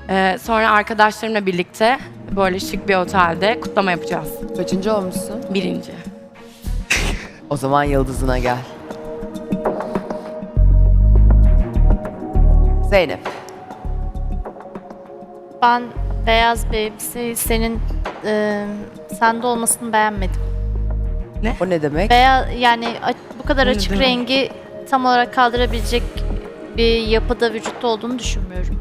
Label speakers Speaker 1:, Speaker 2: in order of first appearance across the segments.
Speaker 1: Sonra arkadaşlarımla birlikte böyle şık bir otelde kutlama yapacağız.
Speaker 2: Kaçıncı olmuşsun?
Speaker 1: 1.
Speaker 2: O zaman yıldızına gel. Zeynep.
Speaker 3: Ben beyaz bir elbiseyi senin sende olmasını beğenmedim.
Speaker 2: O ne demek?
Speaker 3: Yani bu kadar
Speaker 1: Ne
Speaker 3: açık
Speaker 1: demek?
Speaker 3: rengi tam olarak kaldırabilecek bir yapıda vücutta olduğunu düşünmüyorum.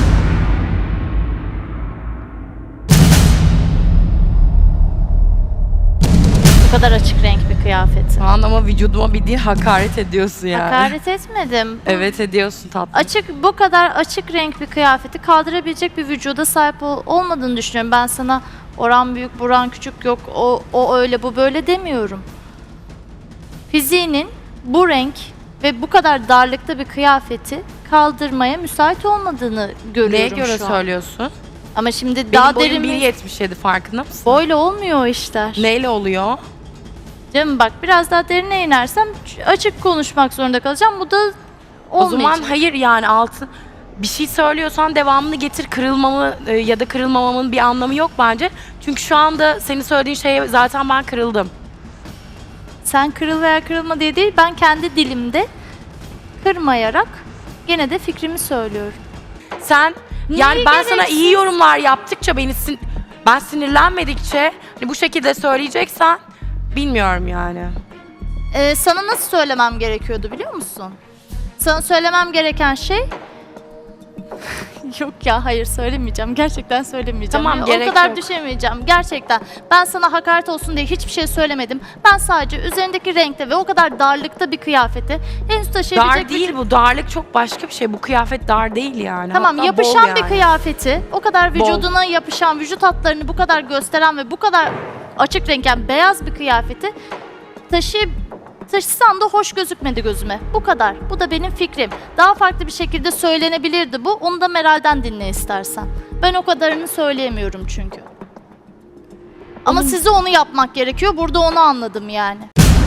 Speaker 3: Bu kadar açık renk bir kıyafet.
Speaker 1: Şu an ama vücuduma bildiğin hakaret ediyorsun yani.
Speaker 3: Hakaret etmedim.
Speaker 1: Evet ediyorsun tatlım.
Speaker 3: Bu kadar açık renk bir kıyafeti kaldırabilecek bir vücuda sahip olmadığını düşünüyorum. Ben sana oran büyük, buran küçük yok, o öyle, bu böyle demiyorum. Fiziğinin bu renk ve bu kadar darlıkta bir kıyafeti kaldırmaya müsait olmadığını görüyorum
Speaker 1: Neye göre
Speaker 3: şu an.
Speaker 1: söylüyorsun?
Speaker 3: Ama şimdi
Speaker 1: Benim
Speaker 3: daha
Speaker 1: boyum
Speaker 3: derin
Speaker 1: 1.77 farkında mısın?
Speaker 3: Böyle olmuyor o işler.
Speaker 1: Neyle oluyor?
Speaker 3: Canım bak biraz daha derine inersem açık konuşmak zorunda kalacağım. Bu da olmayacak.
Speaker 1: O zaman hayır yani altın bir şey söylüyorsan devamını getir, kırılmamı ya da kırılmamamın bir anlamı yok bence. Çünkü şu anda senin söylediğin şeye zaten ben kırıldım.
Speaker 3: Sen kırıl veya kırılma diye değil, ben kendi dilimde kırmayarak gene de fikrimi söylüyorum.
Speaker 1: Sen yani
Speaker 3: Niye
Speaker 1: ben sana
Speaker 3: gereksiz?
Speaker 1: iyi yorumlar yaptıkça ben sinirlenmedikçe hani bu şekilde söyleyeceksen bilmiyorum yani.
Speaker 3: Sana nasıl söylemem gerekiyordu biliyor musun? Sana söylemem gereken şey... Yok ya, hayır söylemeyeceğim. Gerçekten söylemeyeceğim.
Speaker 1: Tamam,
Speaker 3: Ya,
Speaker 1: gerek
Speaker 3: o kadar
Speaker 1: yok.
Speaker 3: düşemeyeceğim. Gerçekten. Ben sana hakaret olsun diye hiçbir şey söylemedim. Ben sadece üzerindeki renkte ve o kadar darlıkta bir kıyafeti henüz taşıyabilecek
Speaker 1: Dar değil bu. Darlık çok başka bir şey. Bu kıyafet dar değil yani.
Speaker 3: Tamam,
Speaker 1: Hatta
Speaker 3: yapışan
Speaker 1: bol
Speaker 3: bir
Speaker 1: yani.
Speaker 3: kıyafeti, o kadar vücuduna yapışan, vücut hatlarını bu kadar gösteren ve bu kadar açık renk, yani beyaz bir kıyafeti taşısan da hoş gözükmedi gözüme. Bu kadar. Bu da benim fikrim. Daha farklı bir şekilde söylenebilirdi bu. Onu da Meral'den dinle istersen. Ben o kadarını söyleyemiyorum çünkü. Ama size onu yapmak gerekiyor. Burada onu anladım yani.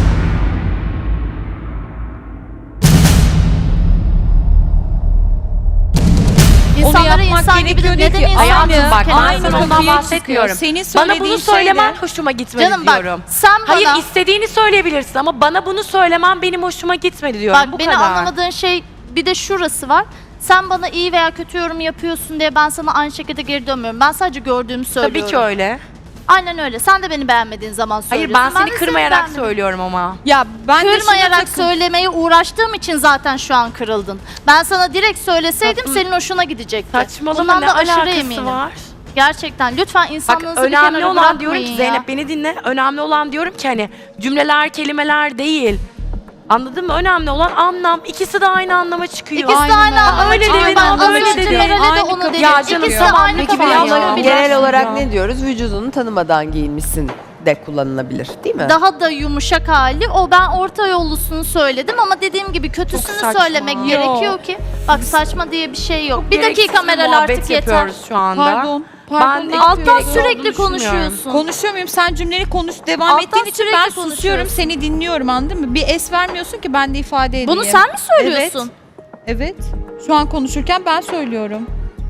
Speaker 3: İnsanlara
Speaker 4: yapmak
Speaker 3: insan gibi de
Speaker 4: gerekiyor
Speaker 3: neden
Speaker 4: değil ki.
Speaker 3: insan
Speaker 1: Hayatım bak ben
Speaker 4: Aynı
Speaker 1: sana ondan
Speaker 4: kapıya
Speaker 1: bahsetmiyorum.
Speaker 4: çıkıyor. Senin
Speaker 1: Bana bunu
Speaker 4: söylediğin
Speaker 1: söylemen
Speaker 4: şeyle-
Speaker 1: hoşuma gitmedi
Speaker 3: Canım bak,
Speaker 1: diyorum.
Speaker 3: sen
Speaker 1: Hayır
Speaker 3: bana...
Speaker 1: istediğini söyleyebilirsin ama bana bunu söylemen benim hoşuma gitmedi diyorum.
Speaker 3: Bak
Speaker 1: Bu
Speaker 3: beni
Speaker 1: kadar.
Speaker 3: anlamadığın şey bir de şurası var. Sen bana iyi veya kötü yorum yapıyorsun diye ben sana aynı şekilde geri dönmüyorum. Ben sadece gördüğümü söylüyorum.
Speaker 1: Tabii ki öyle.
Speaker 3: Aynen öyle. Sen de beni beğenmediğin zaman
Speaker 1: Hayır
Speaker 3: söylüyorsun.
Speaker 1: ben seni
Speaker 3: de
Speaker 1: kırmayarak
Speaker 3: beğenmedim.
Speaker 1: söylüyorum ama.
Speaker 4: Ya ben de
Speaker 3: Kırmayarak
Speaker 4: şuna
Speaker 3: söylemeye uğraştığım için zaten şu an kırıldın. Ben sana direkt söyleseydim
Speaker 1: Tatlım.
Speaker 3: senin hoşuna gidecekti.
Speaker 1: Saçmalama
Speaker 3: Bundan
Speaker 1: ne
Speaker 3: da aşırı
Speaker 1: alakası
Speaker 3: eminim.
Speaker 1: var?
Speaker 3: Gerçekten lütfen
Speaker 1: Bak
Speaker 3: insanlığınızı bir
Speaker 1: önemli
Speaker 3: kenara
Speaker 1: olan diyorum ki
Speaker 3: bırakmayın
Speaker 1: Zeynep
Speaker 3: ya.
Speaker 1: beni dinle. Önemli olan diyorum ki hani cümleler kelimeler değil. Anladın mı? Önemli olan anlam. İkisi de aynı anlama çıkıyor.
Speaker 3: İkisi de aynı
Speaker 4: Aynen
Speaker 3: anlama
Speaker 1: öyle.
Speaker 3: çıkıyor.
Speaker 1: Öyle
Speaker 3: Ben
Speaker 1: dedin,
Speaker 3: az
Speaker 1: öyle
Speaker 3: önce
Speaker 1: dedin.
Speaker 3: Meral'e de
Speaker 4: Aynı
Speaker 3: onu
Speaker 4: kapı-
Speaker 3: dedim.
Speaker 1: Ya canım,
Speaker 3: İkisi de
Speaker 1: tamam.
Speaker 3: aynı
Speaker 1: Peki
Speaker 3: kapı
Speaker 1: biraz
Speaker 3: geliyor.
Speaker 1: olabilir.
Speaker 2: Genel olarak
Speaker 4: Ya.
Speaker 2: ne diyoruz? Vücudunu tanımadan giyinmişsin de kullanılabilir değil mi?
Speaker 3: Daha da yumuşak hali. Ben orta yollusunu söyledim ama dediğim gibi kötüsünü
Speaker 1: saçma.
Speaker 3: söylemek
Speaker 1: Yok.
Speaker 3: gerekiyor ki. Bak saçma diye bir şey yok. Bir
Speaker 1: Gereksiz
Speaker 3: dakika Meral
Speaker 1: muhabbet
Speaker 3: artık yeter.
Speaker 1: yapıyoruz şu anda.
Speaker 4: Pardon.
Speaker 1: Ben
Speaker 4: Pardon.
Speaker 3: Alttan
Speaker 1: gereksiz
Speaker 3: sürekli
Speaker 1: olduğunu düşünmüyorum.
Speaker 3: konuşuyorsun.
Speaker 4: Konuşuyor muyum? Sen cümleni devam
Speaker 3: Alttan
Speaker 4: ettiğin için
Speaker 3: sürekli
Speaker 4: ben susuyorum,
Speaker 3: konuşuyorsun.
Speaker 4: seni dinliyorum, anladın mı? Bir es vermiyorsun ki ben de ifade edeyim.
Speaker 3: Bunu sen mi söylüyorsun?
Speaker 4: Evet. Şu an konuşurken ben söylüyorum.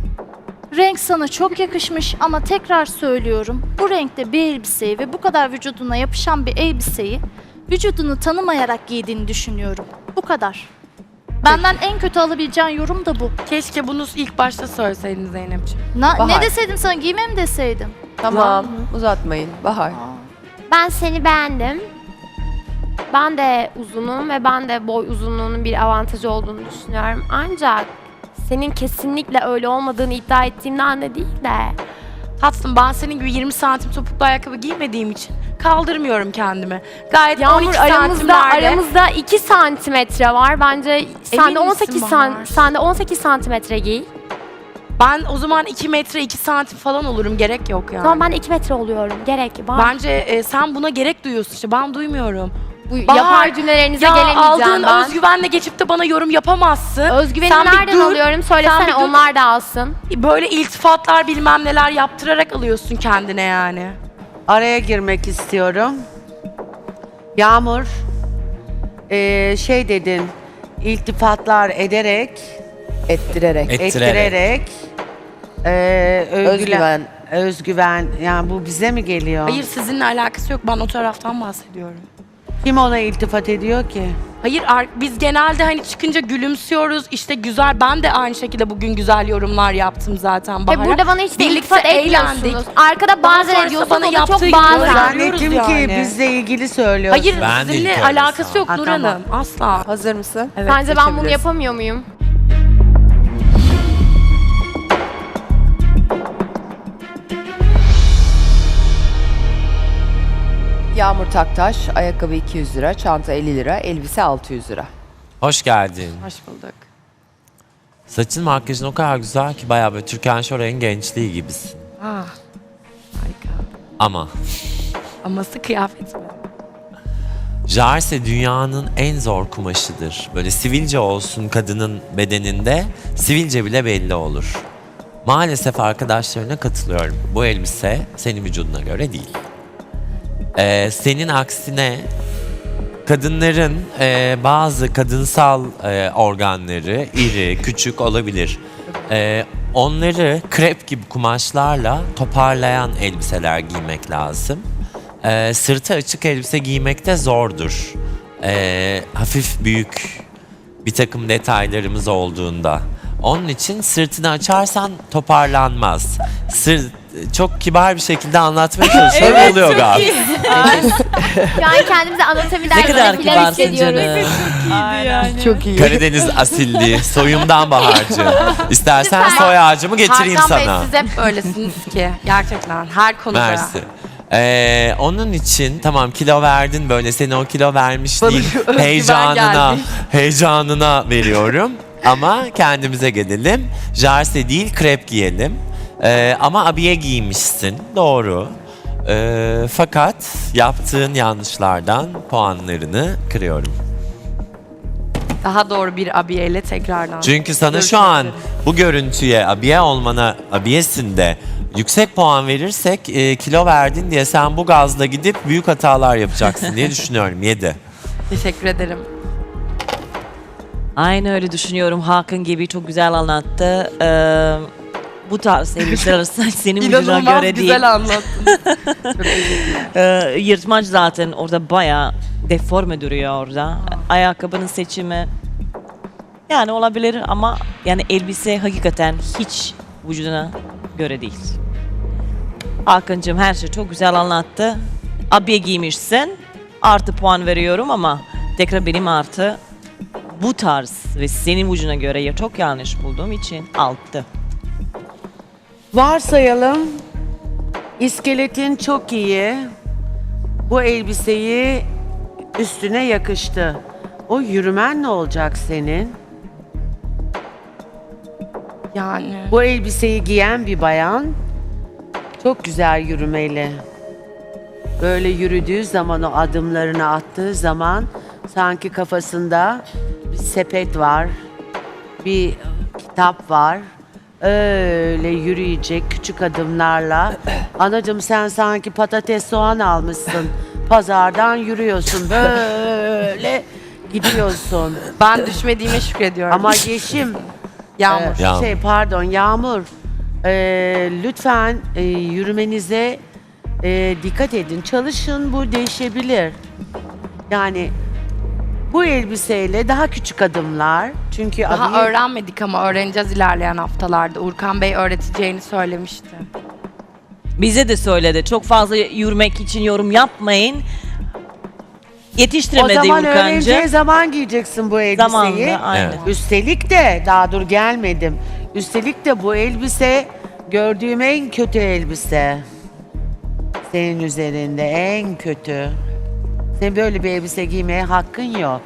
Speaker 3: Renk sana çok yakışmış ama tekrar söylüyorum. Bu renkte bir elbiseyi ve bu kadar vücuduna yapışan bir elbiseyi vücudunu tanımayarak giydiğini düşünüyorum. Bu kadar. Benden en kötü alabileceğin yorum da bu.
Speaker 1: Keşke bunu ilk başta söyleseydin Zeynep'ciğim.
Speaker 3: Ne
Speaker 2: Bahar.
Speaker 3: deseydim sana, giyme mi deseydim?
Speaker 2: Tamam, uzatmayın. Bahar.
Speaker 5: Ben seni beğendim. Ben de uzunum ve ben de boy uzunluğunun bir avantajı olduğunu düşünüyorum. Ancak senin kesinlikle öyle olmadığını iddia ettiğimden de değil de
Speaker 1: Tatlım ben senin gibi 20 santim topuklu ayakkabı giymediğim için kaldırmıyorum kendimi. Gayet
Speaker 5: Yağmur
Speaker 1: 12
Speaker 5: aramızda
Speaker 1: santimlerde.
Speaker 5: 2 santimetre var. Bence sen
Speaker 1: Emin
Speaker 5: de 18
Speaker 1: misin Bahar?
Speaker 5: sen de 18 santimetre giy.
Speaker 1: Ben o zaman 2 metre 2 santim falan olurum. Gerek yok yani.
Speaker 5: Tamam ben de 2 metre oluyorum. Gerek var.
Speaker 1: Bence sen buna gerek duyuyorsun işte. Ben duymuyorum.
Speaker 5: Bu
Speaker 1: Bahar,
Speaker 5: yapar cümlelerinize
Speaker 1: Ya
Speaker 5: gelemeyeceğim
Speaker 1: aldığın
Speaker 5: ben.
Speaker 1: özgüvenle geçip de bana yorum yapamazsın.
Speaker 5: Özgüveni
Speaker 1: Sen bir
Speaker 5: nereden
Speaker 1: dur,
Speaker 5: alıyorum?
Speaker 1: sen
Speaker 5: Söylesene
Speaker 1: bir dur.
Speaker 5: onlar da alsın.
Speaker 1: Böyle iltifatlar bilmem neler yaptırarak alıyorsun kendine yani.
Speaker 6: Araya girmek istiyorum. Yağmur, şey dedin, iltifatlar ederek,
Speaker 2: Ettirerek.
Speaker 6: ettirerek
Speaker 2: Özgüven.
Speaker 6: Özgüven. Yani bu bize mi geliyor?
Speaker 1: Hayır sizinle alakası yok. Ben o taraftan bahsediyorum.
Speaker 6: Kim ona iltifat ediyor ki?
Speaker 1: Hayır biz genelde hani çıkınca gülümsüyoruz. İşte güzel. Ben de aynı şekilde bugün güzel yorumlar yaptım zaten Bahar'a.
Speaker 5: Burada bana hiç de
Speaker 1: Birlikte
Speaker 5: iltifat etmiyorsunuz.
Speaker 1: eğlendik.
Speaker 5: Arkada
Speaker 1: Daha
Speaker 5: bazen
Speaker 1: sonrası
Speaker 5: ediyorsunuz,
Speaker 1: bana
Speaker 5: o da
Speaker 1: yaptığı
Speaker 5: çok
Speaker 1: gibi
Speaker 5: bazen.
Speaker 6: Zannettim
Speaker 1: yani.
Speaker 6: ki bizle ilgili söylüyorsun.
Speaker 1: Hayır
Speaker 7: Ben de
Speaker 1: sizinle
Speaker 7: ilk öyle
Speaker 1: alakası
Speaker 7: sana.
Speaker 1: yok
Speaker 6: Ha,
Speaker 1: Nur
Speaker 6: tamam.
Speaker 1: Hanım. Asla.
Speaker 2: Hazır mısın?
Speaker 1: Evet,
Speaker 5: Sence ben bunu
Speaker 2: geçebiliriz.
Speaker 5: yapamıyor muyum?
Speaker 2: Yağmur Taktaş, ayakkabı 200 lira, çanta 50 lira, elbise 600 lira.
Speaker 7: Hoş geldin.
Speaker 1: Hoş bulduk.
Speaker 7: Saçın makyajın o kadar güzel ki bayağı böyle Türkan Şoray'ın gençliği gibisin.
Speaker 1: Ah, harika.
Speaker 7: Ama
Speaker 1: Aması kıyafet mi?
Speaker 7: Jarse dünyanın en zor kumaşıdır. Böyle sivilce olsun kadının bedeninde, sivilce bile belli olur. Maalesef arkadaşlarına katılıyorum. Bu elbise senin vücuduna göre değil. Senin aksine kadınların bazı kadınsal organları iri, küçük olabilir. Onları krep gibi kumaşlarla toparlayan elbiseler giymek lazım. Sırtı açık elbise giymek de zordur. Hafif büyük bir takım detaylarımız olduğunda. Onun için sırtını açarsan toparlanmaz. Çok kibar bir şekilde anlatmaya çalışıyorum. Oluyor galiba.
Speaker 5: Şu an kendimizi anatomi
Speaker 8: Ne kadar
Speaker 5: dersinde filan
Speaker 8: kibarsın
Speaker 5: hissediyoruz.
Speaker 8: canım.
Speaker 2: Çok iyi.
Speaker 7: Karadeniz asilliği, soyumdan Bahar'cığım. İstersen
Speaker 5: Lütfen.
Speaker 7: soy ağacımı getireyim
Speaker 1: Hakan
Speaker 7: sana.
Speaker 1: Bey siz hep böylesiniz ki. Gerçekten her konuda.
Speaker 7: Mersi. Onun için tamam kilo verdin böyle seni o kilo vermişliğin heyecanına
Speaker 1: geldi.
Speaker 7: heyecanına veriyorum. Ama kendimize gelelim. Jarse değil krep giyelim. Ama abiye giymişsin doğru. Fakat yaptığın yanlışlardan puanlarını kırıyorum.
Speaker 1: Daha doğru bir abiyeyle tekrardan.
Speaker 7: Çünkü sana
Speaker 1: Görüşmek
Speaker 7: şu an
Speaker 1: üzere.
Speaker 7: bu görüntüye abiye olmana abiyesinde yüksek puan verirsek kilo verdin diye sen bu gazla gidip büyük hatalar yapacaksın diye düşünüyorum. 7.
Speaker 1: Teşekkür ederim.
Speaker 8: Aynı öyle düşünüyorum. Hakan gibi çok güzel anlattı. Bu tarz elbiseler senin vücuduna
Speaker 1: İnanılmaz
Speaker 8: göre değil.
Speaker 1: güzel anlattın. Çok teşekkürler.
Speaker 8: Yırtmaç zaten orada bayağı deforme duruyor orada. Ayakkabının seçimi yani olabilir ama yani elbise hakikaten hiç vücuduna göre değil. Hakan'cığım her şey çok güzel anlattı. Abiye giymişsin. Artı puan veriyorum ama tekrar benim artı bu tarz ve senin vücuduna göre ya çok yanlış bulduğum için 6.
Speaker 6: Varsayalım iskeletin çok iyi. Bu elbiseyi üstüne yakıştı. O yürümen ne olacak senin?
Speaker 1: Yani.
Speaker 6: Bu elbiseyi giyen bir bayan çok güzel yürümeli. Böyle yürüdüğü zaman o adımlarını attığı zaman sanki kafasında bir sepet var, bir kitap var. Öyle yürüyecek küçük adımlarla. Anacığım sen sanki patates soğan almışsın. Pazardan yürüyorsun böyle gidiyorsun.
Speaker 1: Ben düşmediğime şükrediyorum.
Speaker 6: Ama Yeşim
Speaker 1: Yağmur.
Speaker 7: Yağmur.
Speaker 6: Pardon Yağmur. Lütfen yürümenize dikkat edin. Çalışın bu değişebilir. Yani bu elbiseyle daha küçük adımlar. Çünkü
Speaker 1: Daha
Speaker 6: abiye-
Speaker 1: öğrenmedik ama öğreneceğiz ilerleyen haftalarda. Urkan Bey öğreteceğini söylemişti.
Speaker 8: Bize de söyledi. Çok fazla yürümek için yorum yapmayın.
Speaker 6: o
Speaker 8: Yetiştiremedi
Speaker 6: zaman öğreneceği
Speaker 8: Urkancı.
Speaker 6: zaman giyeceksin bu elbiseyi.
Speaker 8: Zamanında aynen.
Speaker 7: Evet.
Speaker 6: Üstelik de daha dur gelmedim. Üstelik de bu elbise gördüğüm en kötü elbise. Senin üzerinde en kötü. Senin böyle bir elbise giymeye hakkın yok.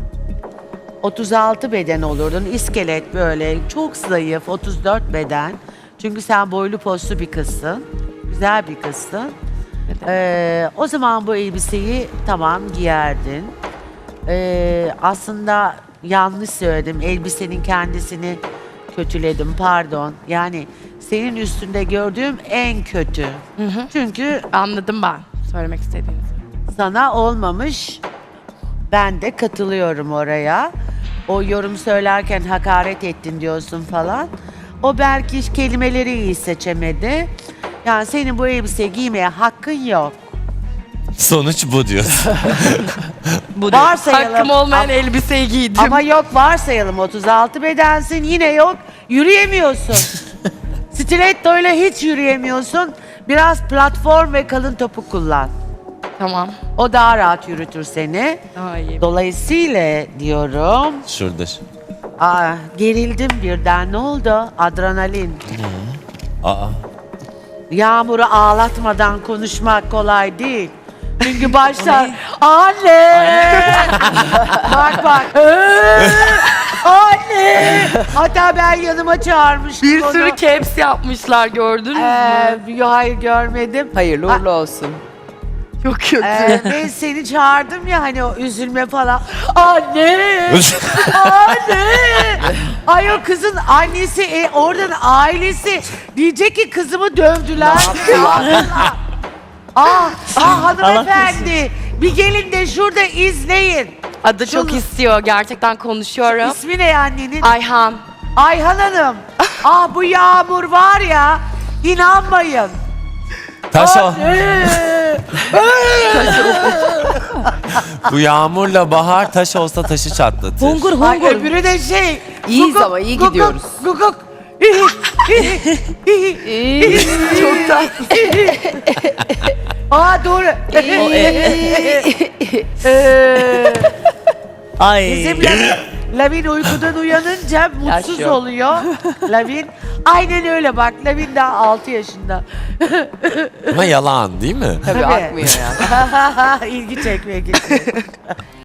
Speaker 6: 36 beden olurdun. İskelet böyle çok zayıf 34 beden. Çünkü sen boylu postlu bir kızsın. Güzel bir kızsın. O zaman bu elbiseyi tamam giyerdin. Aslında yanlış söyledim. Elbisenin kendisini kötüledim pardon. Yani senin üstünde gördüğüm en kötü. Çünkü
Speaker 1: Anladım ben söylemek istediğinizi.
Speaker 6: sana olmamış. Ben de katılıyorum oraya. O yorum söylerken hakaret ettin diyorsun falan. O belki kelimeleri iyi seçemedi. Yani senin bu elbiseyi giymeye hakkın yok.
Speaker 7: Sonuç bu diyorsun.
Speaker 8: Bu değil.
Speaker 6: Varsayalım.
Speaker 1: Hakkım olmayan elbiseyi giydim.
Speaker 6: Ama yok varsayalım 36 bedensin yine yok yürüyemiyorsun. Stiletto ile hiç yürüyemiyorsun. Biraz platform ve kalın topuk kullan.
Speaker 1: Tamam.
Speaker 6: O daha rahat yürütür seni.
Speaker 1: Daha iyi.
Speaker 6: Dolayısıyla diyorum.
Speaker 7: Şuradır.
Speaker 6: Gerildim birden. Ne oldu? Adrenalin.
Speaker 7: Aa.
Speaker 6: Yağmur'u ağlatmadan konuşmak kolay değil. Çünkü başlar. Anne! Bak bak. Anne! Hatta ben yanıma çağırmıştım
Speaker 1: Bir
Speaker 6: onu.
Speaker 1: sürü caps yapmışlar gördünüz mü?
Speaker 6: Hayır görmedim.
Speaker 2: Hayırlı uğurlu olsun.
Speaker 1: Çok kötü.
Speaker 6: Ben seni çağırdım ya hani o üzülme falan. Anne! Anne! Ay o kızın annesi, oradan ailesi diyecek ki kızımı dövdüler. Hanımefendi. Bir gelin de şurada izleyin.
Speaker 1: Adı çok istiyor. Gerçekten konuşuyorum.
Speaker 6: İsmi ne annenin?
Speaker 1: Ayhan.
Speaker 6: Ayhan Hanım. Bu Yağmur var ya. İnanmayın.
Speaker 7: Taş o.
Speaker 6: Anne!
Speaker 7: Bu Yağmur'la Bahar taş olsa taşı çatlatır.
Speaker 8: Hungur
Speaker 6: Ay
Speaker 8: hungur.
Speaker 6: öbürü de şey.
Speaker 2: İyiyiz ama iyi gidiyoruz.
Speaker 6: Guguk.
Speaker 1: Çok tatlı.
Speaker 6: Doğru.
Speaker 8: Ay.
Speaker 6: Bizim Lavin uykudan uyanınca mutsuz
Speaker 2: Yaş yok.
Speaker 6: oluyor. Lavin. Aynen öyle bak. Lavin daha 6 yaşında.
Speaker 7: Ama yalan değil mi?
Speaker 2: Tabii
Speaker 6: Tabii.
Speaker 2: akmıyor yani.
Speaker 6: İlgi çekmeye gitti.